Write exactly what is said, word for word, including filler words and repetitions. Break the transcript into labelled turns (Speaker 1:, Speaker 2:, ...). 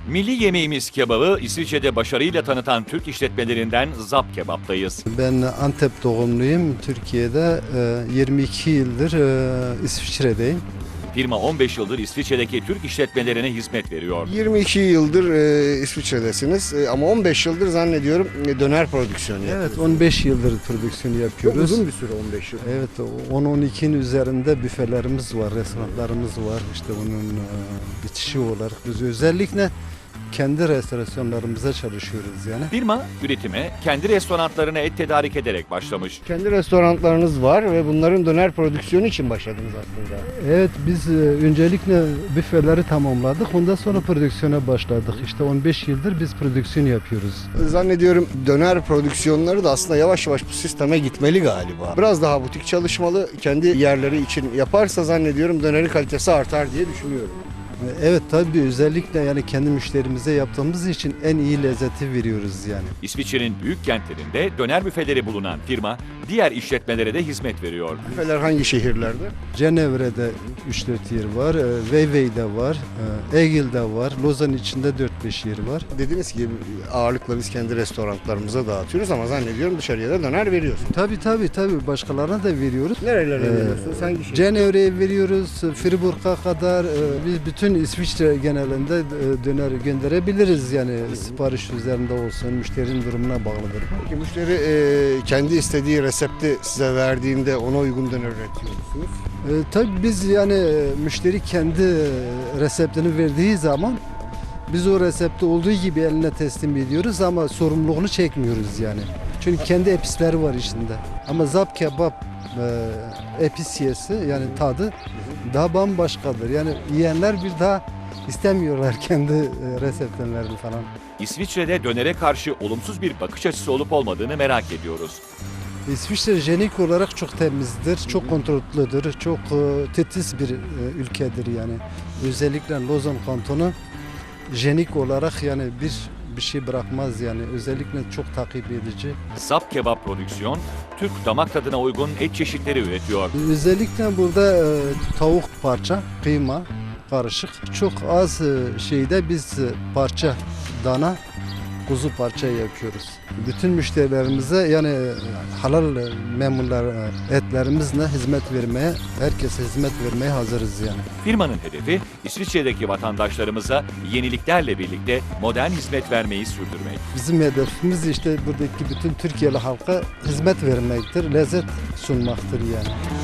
Speaker 1: Milli yemeğimiz kebabı İsviçre'de başarıyla tanıtan Türk işletmelerinden Zap Kebap'tayız.
Speaker 2: Ben Antep doğumluyum. Türkiye'de yirmi iki yıldır İsviçre'deyim.
Speaker 1: Firma on beş yıldır İsviçre'deki Türk işletmelerine hizmet veriyor.
Speaker 3: yirmi iki yıldır e, İsviçre'desiniz e, ama on beş yıldır zannediyorum e, döner prodüksiyonu
Speaker 2: Evet,
Speaker 3: yapıyorsunuz.
Speaker 2: on beş yıldır prodüksiyonu
Speaker 3: Çok
Speaker 2: yapıyoruz.
Speaker 3: uzun bir süre on beş yıl.
Speaker 2: Evet, on on ikinin üzerinde büfelerimiz var, restoranlarımız var. İşte onun bitişi olarak biz özellikle kendi restorasyonlarımıza çalışıyoruz yani.
Speaker 1: Firma üretime kendi restoranlarına et tedarik ederek başlamış.
Speaker 3: Kendi restoranlarınız var ve bunların döner prodüksiyonu için başladınız aslında.
Speaker 2: Evet, biz öncelikle büfeleri tamamladık. Ondan sonra prodüksiyona başladık. İşte on beş yıldır biz prodüksiyon yapıyoruz.
Speaker 3: Zannediyorum döner prodüksiyonları da aslında yavaş yavaş bu sisteme gitmeli galiba. Biraz daha butik çalışmalı, kendi yerleri için yaparsa zannediyorum dönerin kalitesi artar diye düşünüyorum.
Speaker 2: Evet, tabii özellikle yani kendi müşterimize yaptığımız için en iyi lezzeti veriyoruz yani.
Speaker 1: İsviçre'nin büyük kentlerinde döner büfeleri bulunan firma diğer işletmelere de hizmet veriyor.
Speaker 3: Büfeler hangi şehirlerde?
Speaker 2: Cenevre'de üç dört yer var, Vevey'de var, Egil'de var, Lozan içinde dört beş yer var.
Speaker 3: Dediniz ki ağırlıkla biz kendi restoranlarımıza dağıtıyoruz ama zannediyorum dışarıya da döner veriyorsunuz.
Speaker 2: Tabii tabii tabii başkalarına da veriyoruz.
Speaker 3: Nerelere
Speaker 2: Ee,
Speaker 3: veriyorsunuz? Hangi şehir?
Speaker 2: Cenevre'ye veriyoruz, Fribourg'a kadar e, biz bütün İsviçre genelinde e, döner gönderebiliriz yani sipariş üzerinde olsun, müşterinin durumuna bağlıdır.
Speaker 3: Peki müşteri e, kendi istediği resepti size verdiğinde ona uygun döner üretiyor musunuz?
Speaker 2: E, tabii biz yani e, müşteri kendi e, reseptini verdiği zaman biz o resepte olduğu gibi eline teslim ediyoruz ama sorumluluğunu çekmiyoruz yani. Çünkü kendi episleri var içinde. Ama Zap Kebap e, episiyesi yani tadı daha bambaşkadır. Yani yiyenler bir daha istemiyorlar kendi e, reseptlerini falan.
Speaker 1: İsviçre'de dönere karşı olumsuz bir bakış açısı olup olmadığını merak ediyoruz.
Speaker 2: İsviçre jenik olarak çok temizdir, çok kontrollüdür, çok e, titiz bir e, ülkedir yani. Özellikle Lozan kantonu jenik olarak yani bir bir şey bırakmaz yani. Özellikle çok takip edici.
Speaker 1: Zap Kebap Prodüksiyon, Türk damak tadına uygun et çeşitleri üretiyor.
Speaker 2: Özellikle burada e, tavuk parça, kıyma karışık. Çok az e, şeyde biz e, parça dana kuzu parça yapıyoruz. Bütün müşterilerimize yani e, halal e, memurlar e, etlerimizle hizmet vermeye, herkese hizmet vermeye hazırız yani.
Speaker 1: Firmanın hedefi İsviçre'deki vatandaşlarımıza yeniliklerle birlikte modern hizmet vermeyi sürdürmek.
Speaker 2: Bizim hedefimiz işte buradaki bütün Türkiye'li halka hizmet vermektir, lezzet sunmaktır yani.